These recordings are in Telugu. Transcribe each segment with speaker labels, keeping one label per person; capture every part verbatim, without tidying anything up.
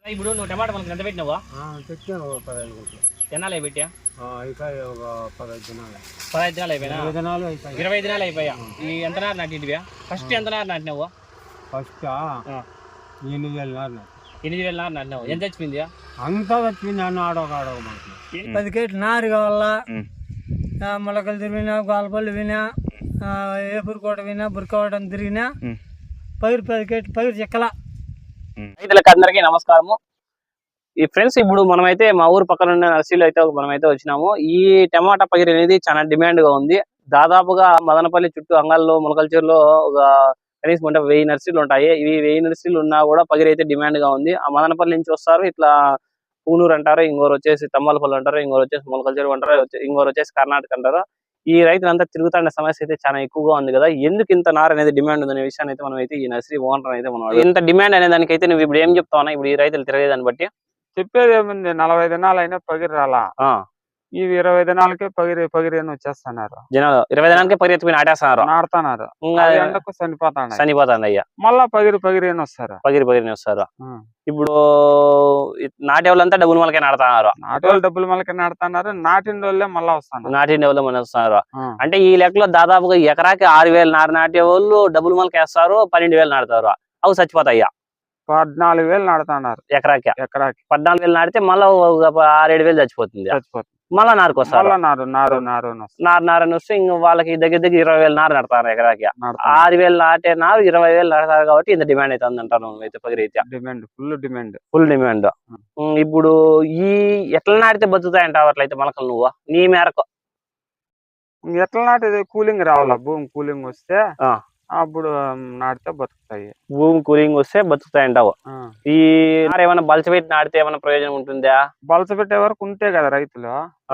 Speaker 1: ఇప్పుడు నువ్వు టమాటా మనకి ఎంత పెట్టినావా?
Speaker 2: పెట్టాను పదహైదు గుంటలు.
Speaker 1: ఎన్నాళ్ళు పెట్టా?
Speaker 2: అయిపోయి ఒక పదహైదు దినాలు.
Speaker 1: పదహైదు దినాలు అయిపోయినా?
Speaker 2: ఇరవై దినాలు అయిపోయి.
Speaker 1: ఇరవై దినాలు అయిపోయా. ఈ ఎంత నారు నాటింటివా? ఫస్ట్ ఎంత నారు నాటినావు?
Speaker 2: ఫస్ట్ ఎనిమిది వేల నారు నాటి.
Speaker 1: ఎనిమిది వేల నారు నాటినావు. ఎంత చచ్చిపోయింది?
Speaker 2: అంతా చచ్చిపోయింది. అన్న ఆడొక ఆడొక మనకి
Speaker 3: పది కేట్లు నారు కావాలా, మొలకలు తిరిగినా, గోలపల్లి వినా, ఏపురుకోట వినా, బురకవటం తిరిగినా పైరు పది కేట్లు పైరు చెక్కల.
Speaker 1: రైతులకు అందరికీ నమస్కారము. ఈ ఫ్రెండ్స్, ఇప్పుడు మనమైతే మా ఊరు పక్కన ఉన్న నర్సరీలో అయితే మనమైతే వచ్చినాము. ఈ టమాటా పగిరి అనేది చాలా డిమాండ్ గా ఉంది. దాదాపుగా మదనపల్లి చుట్టూ అంగల్లో మొలకల్చూరులో ఒక కనీసం అంటే వెయ్యి నర్సరీలు ఉంటాయి. ఇవి వెయ్యి నర్సరీలు ఉన్నా కూడా పగిరి అయితే డిమాండ్ గా ఉంది. ఆ మదనపల్లి నుంచి వస్తారు, ఇట్లా పూనూరు అంటారు, ఇంకోరు వచ్చేసి తమ్మలపల్లి అంటారు, ఇంకోరు వచ్చేసి మొలకల్చూరు అంటారు, ఇంకోరు వచ్చేసి కర్ణాటక అంటారు. ఈ రైతులంతా తిరుగుతున్న సమస్య అయితే చాలా ఎక్కువగా ఉంది కదా. ఎందుకు ఇంత నార్ అనేది డిమాండ్ ఉందనే విషయాన్ని అయితే మనం అయితే ఈ నర్సరీ ఓనర్ అయితే మనం ఇంత డిమాండ్ అనే దానికైతే నువ్వు ఇప్పుడు ఏం చెప్తావు? ఇప్పుడు ఈ రైతులు తిరిగేదాన్ని బట్టి
Speaker 4: చెప్పేది ఏముంది, నలభై దినాలు అయినా పగిరి రాలా. ఇవి ఇరవై దినాలకే పగిరి పగిరి అని వచ్చేస్తున్నారు
Speaker 1: జనాలు. ఇరవై దినాలకే పగిరి ఎత్తుకుని నాటేస్తున్నారు,
Speaker 4: నాడుతున్నారు, ఎండకు చనిపోతాడు
Speaker 1: చనిపోతాండి అయ్యా.
Speaker 4: మళ్ళా పగిరి పగిరి అని వస్తారు,
Speaker 1: పగిరి పగిరి వస్తారు. ఇప్పుడు నాటే వాళ్ళంతా డబ్బులు మనకే నాడుతున్నారు.
Speaker 4: నాటి వాళ్ళు డబ్బులు మనకే నాడుతున్నారు, నాటిన వాళ్ళే మళ్ళా వస్తున్నారు,
Speaker 1: నాటిన వాళ్ళు మన వస్తున్నారు. అంటే ఈ లెక్కలో దాదాపుగా ఎకరాకి ఆరు వేలు నారు నాటే వాళ్ళు డబ్బులు మనకి వేస్తారు, పన్నెండు వేలు నాటుతారు. అవి చచ్చిపోతాయ్యా.
Speaker 4: పద్నాలుగు వేలు నాడుతున్నారు
Speaker 1: ఎకరాకి.
Speaker 4: ఎకరాకి
Speaker 1: పద్నాలుగు వేలు నాటితే మళ్ళీ ఆరేడు వేలు చచ్చిపోతుంది.
Speaker 4: చచ్చిపోతుంది.
Speaker 1: మళ్ళా నారుకు వస్తారు,
Speaker 4: నారు నారు నారు
Speaker 1: నారు నారు అని వస్తే ఇంక వాళ్ళకి దగ్గర దగ్గర ఇరవై వేలు నారు నడతారు ఎకరాకి. ఆరు వేలు నాటే నారు ఇరవై వేలు నడతారు కాబట్టి ఇంత డిమాండ్ అయితే అంటారు అయితే పగిరి అయితే.
Speaker 4: Demand full demand
Speaker 1: full demand. ఇప్పుడు ఈ ఎట్లా నాటితే బతుకుతాయంటావు అట్లయితే మొలకలు నువ్వు నీ మేరకు?
Speaker 4: ఎట్లా నాటిది కూలింగ్ రావాలా, భూమి కూలింగ్ వస్తే అప్పుడు నాటితే బతుకుతాయి.
Speaker 1: భూమి కూలింగ్ వస్తే బతుకుతాయంటావు. ఈ నారు ఏమైనా బలచబెట్టి నాటితే ఏమైనా ప్రయోజనం ఉంటుందా?
Speaker 4: బలచబెట్టే వరకు ఉంటే కదా రైతులు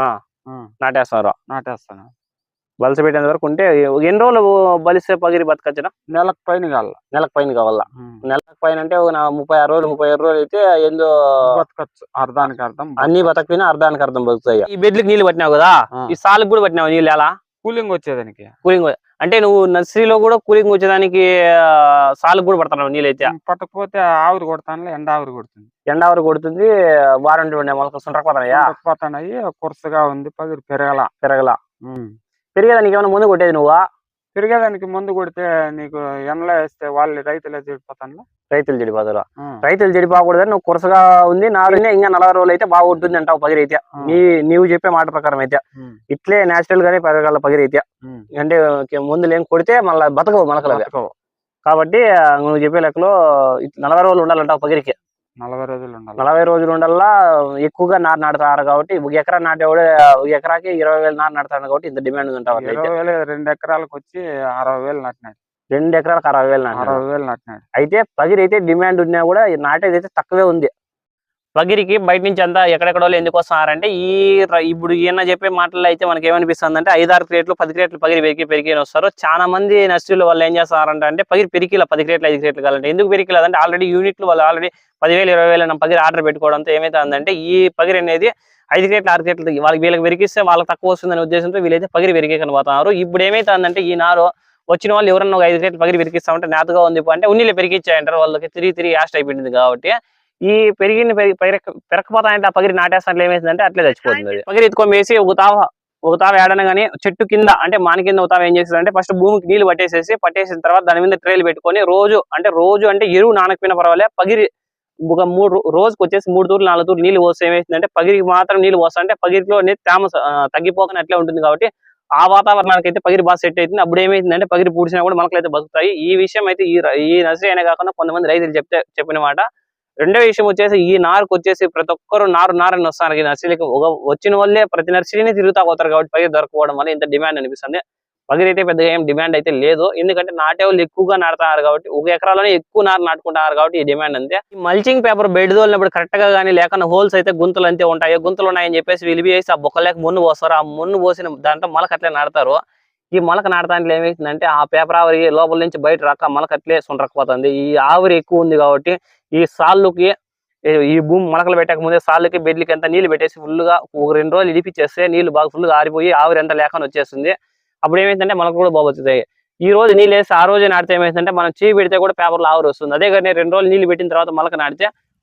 Speaker 1: నాటేస్తారు.
Speaker 4: నాటేస్తాను.
Speaker 1: బలచబెట్టేంత వరకు ఉంటే ఎన్ని రోజులు బలిస్తే పగిరి బతకచ్చునా?
Speaker 4: నెలకు పైన కావాల.
Speaker 1: నెలకు పైన కావాలా? నెలకు పైన అంటే ముప్పై ఆరు రోజులు ముప్పై ఆరు రోజులు అయితే ఏందో
Speaker 4: బతకచ్చు. అర్ధానికి అర్థం
Speaker 1: అన్ని బతకపోయినా అర్ధానికి అర్థం బతుకుతాయి. ఈ బెడ్లకు నీళ్ళు పట్టినావు కదా, ఈ సాలుకు కూడా పట్టినావు నీళ్ళు? ఎలా
Speaker 4: కూలింగ్ వచ్చేదానికి?
Speaker 1: కూలింగ్ అంటే నువ్వు నర్సరీలో కూడా కూలింగ్ వచ్చేదానికి సాలుకు కూడా పడుతున్నావు నీళ్ళు అయితే?
Speaker 4: పట్టకపోతే ఆవిరి కొడతాను, ఎండ ఆవిరి కొడుతుంది.
Speaker 1: ఎండ ఆవిరి కొడుతుంది. వారం మొలకలు సుంటకపోతున్నాయా?
Speaker 4: పోతున్నాయి. కురసగా ఉంది, పగిరి పెరగల
Speaker 1: పెరగల పెరిగేదానికి ఏమైనా ముందు కొట్టేది నువ్వా?
Speaker 4: పెరిగేదానికి ముందు కొడితే నీకు ఎండలో వేస్తే వాళ్ళు రైతులే చెడిపోతాను.
Speaker 1: రైతులు చెడిపోతారు. రైతులు చెడిపోకూడదని నువ్వు కురసగా ఉంది నారునే ఇంకా నలభై రోజులు అయితే బాగుంటుంది అంటావు పగిరి అయితే. నీ నీవు చెప్పే మాట ప్రకారం అయితే ఇట్లే నేచురల్ గానే పెరగాల పగిరి అయితే. అంటే ముందు లేని కొడితే మళ్ళీ బతకవు మొలకలు. కాబట్టి నువ్వు చెప్పే లెక్కలో నలభై రోజులు ఉండాలంటావు పగిరికి.
Speaker 4: నలభై రోజులు ఉండాలి.
Speaker 1: నలభై రోజులు ఉండాలా. ఎక్కువగా నారు నాటుతారు కాబట్టి ఒక ఎకరా నాటేవాడు ఒక ఎకరాకి ఇరవై వేలు నారు నాటుతాడు కాబట్టి ఇంత డిమాండ్ ఉంటావు.
Speaker 4: ఇరవై వేలు రెండు ఎకరాలకు వచ్చి అరవై వేలు నాటినాడు.
Speaker 1: రెండు ఎకరాలకు అరవై వేలు నాటి
Speaker 4: అరవై వేలు నాటినాడు.
Speaker 1: అయితే పగిరి అయితే డిమాండ్ ఉన్నా కూడా నాటేది అయితే తక్కువే ఉంది. పగిరికి బయట నుంచి అంతా ఎక్కడెక్కడ వాళ్ళు ఎందుకు వస్తున్నారంటే ఈ ఇప్పుడు ఈయన చెప్పే మాటల్లో అయితే మనకి ఏమనిపిస్తుంది అంటే ఐదారు క్రేట్లు పది క్రేట్లు పగిరి పెరిగి పెరిగి వస్తారు. చాలా మంది నర్సరీలు వాళ్ళు ఏం చేస్తారంటే అంటే పగిరి పెరికిలా పది క్రేట్లు ఐదు క్రేట్లు కావాలంటే ఎందుకు పెరికిలేదంటే ఆల్రెడీ యూనిట్లు వాళ్ళు ఆల్రెడీ పదివేలు ఇరవై వేలు పగిరి ఆర్డర్ పెట్టుకోవడంతో ఏమైతే ఉందంటే ఈ పగిరి అనేది ఐదు క్రేట్లు ఆరు క్రేట్లు వాళ్ళకి వీళ్ళకి పెరిగిస్తే వాళ్ళకి తక్కువ వస్తుందనే ఉద్దేశంతో వీళ్ళైతే పగిరి పెరిగే కనబోతున్నారు. ఇప్పుడు ఏమైతే ఉందంటే ఈ నారు వచ్చిన వాళ్ళు ఎవరన్నా ఒక ఐదు క్రేట్లు పగిరి పెరిగిస్తామంటే నేతగా ఉంది అంటే ఉన్నీళ్ళు పెరిగిచ్చాయంటారు. వాళ్ళకి తిరిగి తిరిగి యాస్ట్ అయిపోయింది కాబట్టి ఈ పెరిగిన పెరకపోతాయంటే ఆ పగిరి నాటేస్తాంట్లో ఏమైందంటే అట్లే చచ్చిపోతుంది. పగిరి ఎత్తుకొని వేసి ఒక తావ ఒక తావ ఏడన కానీ చెట్టు కింద అంటే మాని కింద ఒక తావ ఏం చేస్తుందంటే ఫస్ట్ భూమికి నీళ్లు పట్టేసేసి పట్టేసిన తర్వాత దాని మీద ట్రైలు పెట్టుకొని రోజు అంటే రోజు అంటే ఎరువు నానకపోయినా పర్వాలే పగిరి ఒక మూడు రోజుకి వచ్చేసి మూడు తూర్లు నాలుగు తూర్లు నీళ్ళు పోస్తే ఏమైతుందంటే పగిరికి మాత్రం నీళ్ళు పోస్తా అంటే పగిరిలో తేమ తగ్గిపోకుండా అట్లే ఉంటుంది కాబట్టి ఆ వాతావరణానికి అయితే పగిరి బాగా సెట్ అవుతుంది. అప్పుడు ఏమైతుందంటే పగిరి పూడ్చినా కూడా మొలకలు అయితే బతుకుతాయి. ఈ విషయం అయితే ఈ ఈ నర్సరీ అయినా కాకుండా కొంతమంది రైతులు చెప్తే చెప్పిన మాట. రెండో విషయం వచ్చేసి ఈ నారుకు వచ్చేసి ప్రతి ఒక్కరు నారు నారని వస్తారు. ఈ నర్సరీకి ఒక వచ్చిన వాళ్ళే ప్రతి నర్సరీని తిరుగుతా పోతారు కాబట్టి పగిరి దొరకపోవడం వల్ల ఇంత డిమాండ్ అనిపిస్తుంది. పగిరి అయితే పెద్దగా ఏం డిమాండ్ అయితే లేదు. ఎందుకంటే నాటే వాళ్ళు ఎక్కువగా నాటుతున్నారు కాబట్టి ఒక ఎకరాలోనే ఎక్కువ నారు నాటుకుంటున్నారు కాబట్టి ఈ డిమాండ్ అంతే. ఈ మల్చింగ్ పేపర్ బెడ్ తోలినప్పుడు కరెక్ట్ గా కానీ లేకుండా హోల్స్ అయితే గుంతలు అంతే ఉంటాయి. గుంతలు ఉన్నాయని చెప్పేసి విలిపి వేసి ఆ బొక్కలేక మున్ను పోస్తారు. ఆ మున్ను పోసిన దాంట్లో మొలక అట్లే నాటుతారు. ఈ మొలక నాటడానికి ఏమైతుందంటే ఆ పేపర్ ఆవిరి లోపల నుంచి బయట రాక మొలక అట్లే సుండకపోతుంది. ఈ ఆవిరి ఎక్కువ ఉంది కాబట్టి ఈ సాళ్ళుకి ఈ భూమి మొలకలు పెట్టక ముందే సాళ్ళకి బెడ్లకి అంతా నీళ్లు పెట్టేసి ఫుల్గా ఒక రెండు రోజులు ఇడిపిచ్చేస్తే నీళ్లు బాగా ఫుల్గా ఆరిపోయి ఆవిరి అంతా లేకుండా వచ్చేస్తుంది. అప్పుడు ఏమైందంటే మొలకలు కూడా బాగుతాయి. ఈ రోజు నీళ్ళు వేసి ఆ రోజు నాటితే ఏమైందంటే మనం చీ పెడితే కూడా పేపర్లో ఆవిరి వస్తుంది. అదే కానీ రెండు రోజులు నీళ్లు పెట్టిన తర్వాత మొలక నాటితే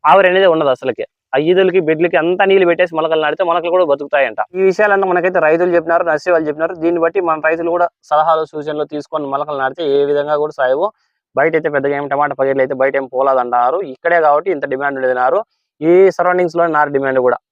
Speaker 1: ఆవిరి అనేది ఉండదు అసలుకి. ఆ ఈదులకి బెడ్లకి అంతా నీళ్ళు పెట్టేసి మొలకలు నాటితే మొలకలు కూడా బతుకుతాయంట. ఈ విషయాలంతా మనకైతే రైతులు చెప్పినారు, నర్సరీ వాళ్ళు చెప్పినారు. దీన్ని బట్టి మన రైతులు కూడా సలహాలు సూచనలు తీసుకొని మొలకలు నాటితే ఏ విధంగా కూడా సాయవు. బయట అయితే పెద్దగా ఏం టమాటా పగిర్లు అయితే బయట ఏం పోలాదంటారు. ఇక్కడే కాబట్టి ఇంత డిమాండ్ ఉండేదినారు. ఈ సరౌండింగ్స్ లో నారు డిమాండ్ కూడా